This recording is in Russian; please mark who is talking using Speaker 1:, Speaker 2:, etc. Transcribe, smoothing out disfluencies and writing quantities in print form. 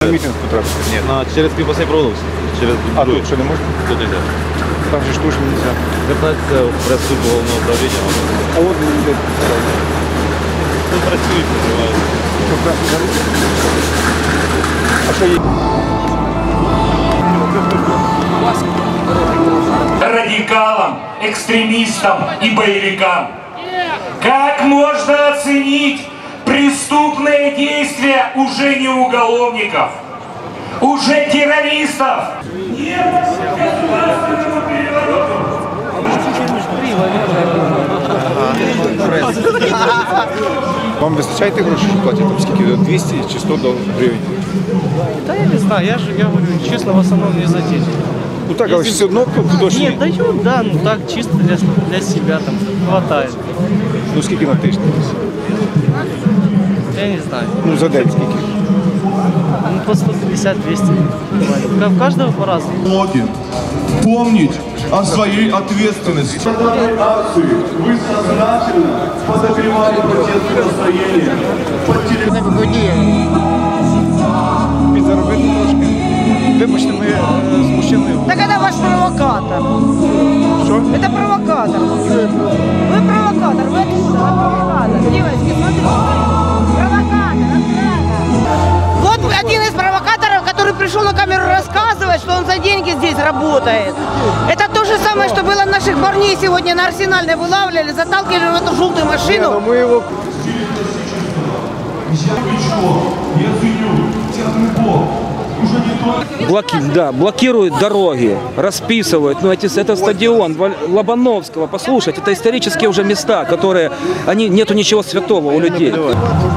Speaker 1: На мітинг потрапити? Ні.
Speaker 2: Через Кріпосний провулок.
Speaker 1: А тут що не можна?
Speaker 2: Тут нельзя.
Speaker 1: Там же ж точно не можна.
Speaker 2: Звертайтеся в прес-службу головного управління.
Speaker 1: А от не йде.
Speaker 2: Тут працюють, називають.
Speaker 1: А що є?
Speaker 3: Радикалам, экстремистам и боевикам. Как можно оценить преступные действия уже не уголовников, уже террористов? Нет государственного переворота.
Speaker 1: Вам вистачає тих грошей, що платять? Там скільки? 200 чи 100 гривень?
Speaker 4: Да я не знаю, я говорю, честно, в основном не за деньги.
Speaker 1: Ну так, але ж все одно дощ.
Speaker 4: Нет, даю, да, ну так, чисто для себя там хватает.
Speaker 1: Ну скільки на тиждень?
Speaker 4: Я не знаю.
Speaker 1: Ну за день скільки?
Speaker 4: Ну по 150-200. В каждого по-разному.
Speaker 5: Помнить о своей ответственности. В данной акции вы сознательно подогревали протестное настроение.
Speaker 1: Підзаробити трошки. Вибачте, ми з мужчиною.
Speaker 6: Так это ваш провокатор.
Speaker 1: Що?
Speaker 6: Это провокатор. Вы провокатор, вы откуда? Вы провокатор. Девочки, смотрите. Провокатор. Вот один из провокаторов, который пришел на камеру рассказывать, что он за деньги здесь работает. Это то же самое, что было наших парней сегодня на Арсенальной вылавливали, заталкивали в эту желтую машину.
Speaker 1: Ми його...
Speaker 7: Блокируют дороги, расписывают. Ну, это стадион Лобановского. Послушайте, это исторические уже места, которые, нету ничего святого у людей.